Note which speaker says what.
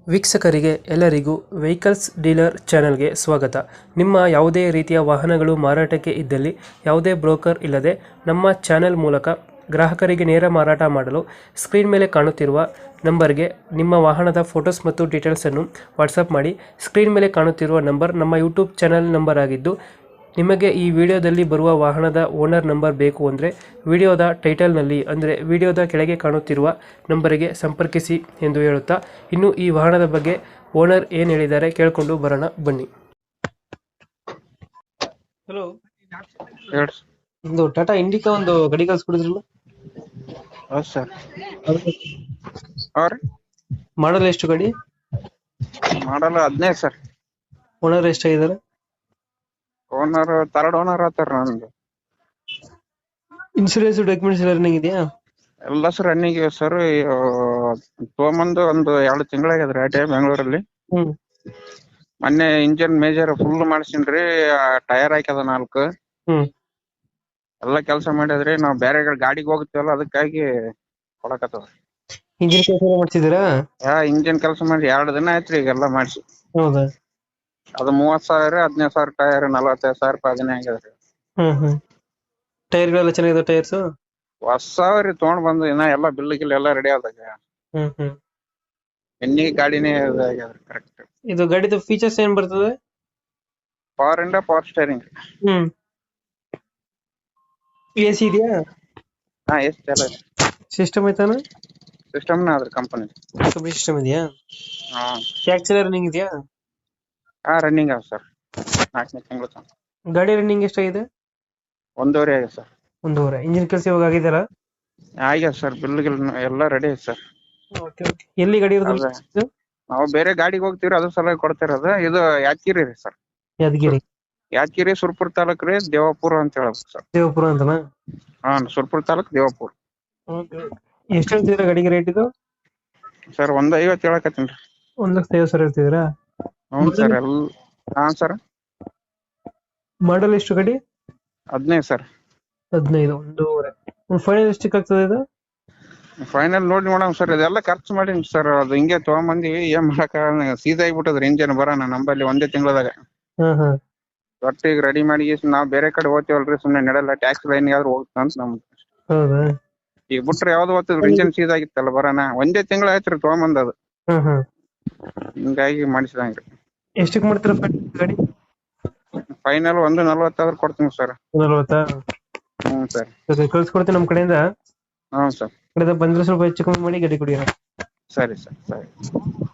Speaker 1: ವೀಕ್ಷಕರಿಗೆ ಎಲ್ಲರಿಗೂ vehicles dealer ಚಾನೆಲ್ಗೆ ಸ್ವಾಗತ. ನಿಮ್ಮ ಯಾವುದೇ ರೀತಿಯ ವಾಹನಗಳು ಮಾರಾಟಕ್ಕೆ ಇದ್ದಲ್ಲಿ ಯಾವುದೇ ಬ್ರೋಕರ್ ಇಲ್ಲದೆ ನಮ್ಮ ಚಾನೆಲ್ ಮೂಲಕ ಗ್ರಾಹಕರಿಗೆ ನೇರ ಮಾರಾಟ ಮಾಡಲು ಸ್ಕ್ರೀನ್ ಮೇಲೆ ಕಾಣುತ್ತಿರುವ ನಂಬರ್ಗೆ ನಿಮ್ಮ ವಾಹನದ ಫೋಟೋಸ್ ಮತ್ತು ಡೀಟೇಲ್ಸನ್ನು ವಾಟ್ಸಪ್ ಮಾಡಿ. ಸ್ಕ್ರೀನ್ ಮೇಲೆ ಕಾಣುತ್ತಿರುವ ನಂಬರ್ ನಮ್ಮ ಯೂಟ್ಯೂಬ್ ಚಾನೆಲ್ ನಂಬರ್ ಆಗಿದ್ದು, ನಿಮಗೆ ಈ ವಿಡಿಯೋದಲ್ಲಿ ಬರುವ ವಾಹನದ ಓನರ್ ನಂಬರ್ ಬೇಕು ಅಂದರೆ ವಿಡಿಯೋದ ಟೈಟಲ್ನಲ್ಲಿ ಅಂದರೆ ವಿಡಿಯೋದ ಕೆಳಗೆ ಕಾಣುತ್ತಿರುವ ನಂಬರಿಗೆ ಸಂಪರ್ಕಿಸಿ ಎಂದು ಹೇಳುತ್ತಾ, ಇನ್ನು ಈ ವಾಹನದ ಬಗ್ಗೆ ಓನರ್ ಏನು ಹೇಳಿದ್ದಾರೆ ಕೇಳಿಕೊಂಡು ಬರೋಣ ಬನ್ನಿ. ಹಲೋ, ಒಂದು ಟಾಟಾ ಇಂಡಿಕಾ ಒಂದು ಗಾಡಿ ಕಳ್ಸ್ಕೊಡಿದ್ರಲ್ಲ?
Speaker 2: ಹೌದು ಸರ್.
Speaker 1: ಮಾಡಲ್ ಎಷ್ಟು ಗಾಡಿ?
Speaker 2: ಮಾಡಲ್ಲ 15 ಸರ್.
Speaker 1: ಓನರ್ ಎಷ್ಟಾಗಿದ್ದಾರೆ?
Speaker 2: ಓನರ್ ಥರ್ಡ್ ಓನರ್ ಆತಾರ. ನಂದು
Speaker 1: ಇನ್ಸೂರೆನ್ಸ್ ಡಾಕ್ಯುಮೆಂಟ್ಸ್ ಎಲ್ಲ ರನ್ನಿಂಗ್ ಇದೆಯಾ?
Speaker 2: ಎಲ್ಲ ಸರ್ ರನ್ನಿಂಗ್ ಇವೆ ಸರ್. ತೊಗೊಂಬಂದು ಒಂದು 2 ತಿಂಗಳಾಗ್ಯದ್ರಿ ಆಟೆ ಬೆಂಗಳೂರಲ್ಲಿ. ಮೊನ್ನೆ ಇಂಜಿನ್ ಮೇಜರ್ ಫುಲ್ ಮಾಡ್ಸಿನ್ರಿ. ಟೈರ್ ಹಾಕ್ಯದ 4 ಎಲ್ಲ ಕೆಲಸ ಮಾಡಿದ್ರಿ. ನಾವು ಬೇರೆ ಗಾಡಿಗೆ ಹೋಗ್ತೀವಲ್ಲ, ಅದಕ್ಕಾಗಿ ಕೊಡಕತ್ತದ.
Speaker 1: ಇಂಜಿನ್ ಕೆಲಸ ಮಾಡ್ತಿದ್ದೀರಾ?
Speaker 2: ಇಂಜಿನ್ ಕೆಲಸ ಮಾಡಿ 2 ದಿನ ಆಯ್ತ್ರಿ ಈಗೆಲ್ಲ ಮಾಡಿಸಿ.
Speaker 1: ಹೌದಾ?
Speaker 2: ಅದು 30,000 15,000 ಟೈರ್ 45,000 ರೂಪಾಯಿ ಅದನ್ನೇ ಆಗ್ಯದ್ರಿ.
Speaker 1: ಟೈರ್ಗಳೆಲ್ಲ ಚೆನ್ನಾಗಿದೆ? ಟೈರ್ಸ್
Speaker 2: ಹೊಸವ್ರಿ ತೊಗೊಂಡ್ ಬಂದು ಇನ್ನ ಎಲ್ಲ ಬಿಲ್ ಗಿಲ್ ಎಲ್ಲ ರೆಡಿ ಆದಾಗ ಎಣ್ಣಿ ಗಾಡಿನೇ ಆಗ್ಯಾದ್ರಿ. ಕರೆಕ್ಟ್.
Speaker 1: ಇದು ಗಾಡಿದು ಫೀಚರ್ಸ್ ಏನ್ ಬರ್ತದೆ?
Speaker 2: Power steering.
Speaker 1: ಎಸಿ ಇದೆಯಾ?
Speaker 2: ಎಷ್ಟು ಎಲ್ಲ
Speaker 1: ಸಿಸ್ಟಮ್ ಐತಾನ?
Speaker 2: ಸಿಸ್ಟಮ್ನ ಅದ್ರ ಕಂಪನಿ
Speaker 1: ಸಿಸ್ಟಮ್ ಇದೆಯಾ? ಟ್ಯಾಕ್ಸ್ ಎಲ್ಲ ರನ್ನಿಂಗ್ ಇದೆಯಾ?
Speaker 2: ರನ್ನಿಂಗ್ ಅವ ಸರ್. 4ನೇ ತಿಂಗಳು ತನಕ.
Speaker 1: ಗಾಡಿ ರನ್ನಿಂಗ್ ಎಷ್ಟಾಗಿದೆ?
Speaker 2: 1.5 ಆಗಿದೆ ಸರ್.
Speaker 1: 1.5. ಇಂಜಿನ್ ಕೆಲಸ ಇವಾಗ ಆಗಿದೆಯಲ್ಲ?
Speaker 2: ಆಗ್ಯದ ಸರ್. ಬಿಲ್ ಗಿಲ್ ಎಲ್ಲ ರೆಡಿ ಐತೆ ಸರ್.
Speaker 1: ಎಲ್ಲಿ ಗಾಡಿ ಇರೋದು?
Speaker 2: ನಾವು ಬೇರೆ ಗಾಡಿಗೆ ಹೋಗ್ತೀವ್ರಿ, ಅದ್ರ ಸಲುವಾಗಿ ಕೊಡ್ತಿರೋದು. ಇದು ಯಾದಗಿರಿ ರೀ ಸರ್. ಯಾದಗಿರಿ ಸುರ್ಪುರ್ ತಾಲೂಕ್ ರೀ, ದೇವಾಪುರ ಅಂತ ಹೇಳ್ಬೇಕು ಸರ್.
Speaker 1: ದೇವಪುರ ಅಂತನಾ?
Speaker 2: ಸುರ್ಪುರ್ ತಾಲೂಕ್ ದೇವಾಪುರ.
Speaker 1: ಎಷ್ಟು ಹೇಳ್ತಿದ್ರ ಗಾಡಿಗೆ ರೇಟ್ ಇದು?
Speaker 2: ಸರ್ 150 ಹೇಳಕತ್ತೀನಿ.
Speaker 1: 1,50,000 ಹೇಳ್ತಿದ್ದೀರಾ?
Speaker 2: ಹ್ಞೂ ಸರ್. ಸರ್.
Speaker 1: ಮಾಡಲ್ ಎಷ್ಟು ಗಾಡಿ?
Speaker 2: 15 ಸರ್.
Speaker 1: 15. 1.5. ಫೈನಲ್ ಎಷ್ಟಕ್ಕೆ ಆಗ್ತದೆ ಇದು?
Speaker 2: ಫೈನಲ್ ನೋಡಿ ನೋಡಮ್ ಸರ್. ಇದೆಲ್ಲ ಖರ್ಚು ಮಾಡೀನಿ ಸರ್. ಅದು ಹಿಂಗೆ ತೊಗೊಂಬಂದಿವಿ, ಏನ್ ಮಾಡಕ ಸೀದಾ ಆಗ್ಬಿಟ್ಟದ್ರಿ. ಇಂಜಿನ್ ಬರೋಣ ನಂಬಲ್ಲಿ 1 ತಿಂಗಳದಾಗ. ಒಟ್ಟಿಗೆ ರೆಡಿ ಮಾಡಿ ನಾವ್ ಬೇರೆ ಕಡೆ ಹೋಗ್ತೀವಲ್ರಿ, ಸುಮ್ನೆ ನಡೆಯಲ್ಲ. ಟ್ಯಾಕ್ಸ್ ಲೈನ್ ಆದ್ರೂ ಹೋಗ್ತಾ ಅಂತ ನಮ್ದು.
Speaker 1: ಹೌದಾ?
Speaker 2: ಈಗ ಬಿಟ್ರೆ ಯಾವ್ದು ಹೋಗ್ತದ್ರಿ, ಇಂಜಿನ್ ಸೀದಾ ಆಗಿತ್ತಲ್ಲ ಬರೋಣ. 1 ತಿಂಗಳ ಆಯ್ತ್ರಿ ತೊಗೊಂಬಂದದು. ಹಿಂಗಾಗಿ ಮಾಡಿಸಿದಂಗ್ರಿ.
Speaker 1: ಎಷ್ಟಕ್ಕೆ ಮಾಡ್ತೀರ ಗಾಡಿ?
Speaker 2: ಫೈನಲ್ 1.40 ಆದ್ರೂ ಕೊಡ್ತೀನಿ ಸರ್.
Speaker 1: 1.40?
Speaker 2: ಹ್ಞೂ ಸರ್.
Speaker 1: ಕಳ್ಸ್ಕೊಡ್ತೀನಿ ನಮ್ಮ ಕಡೆಯಿಂದ.
Speaker 2: ಹ್ಞೂ ಸರ್.
Speaker 1: ಕಡೆಯಿಂದ ಬಂದ್ರೆ ಸ್ವಲ್ಪ ಹೆಚ್ಚು ಕಮ್ಮಿ ಮಾಡಿ ಗಾಡಿ ಕೊಡಿ.
Speaker 2: ಸರಿ ಸರ್. ಸರಿ.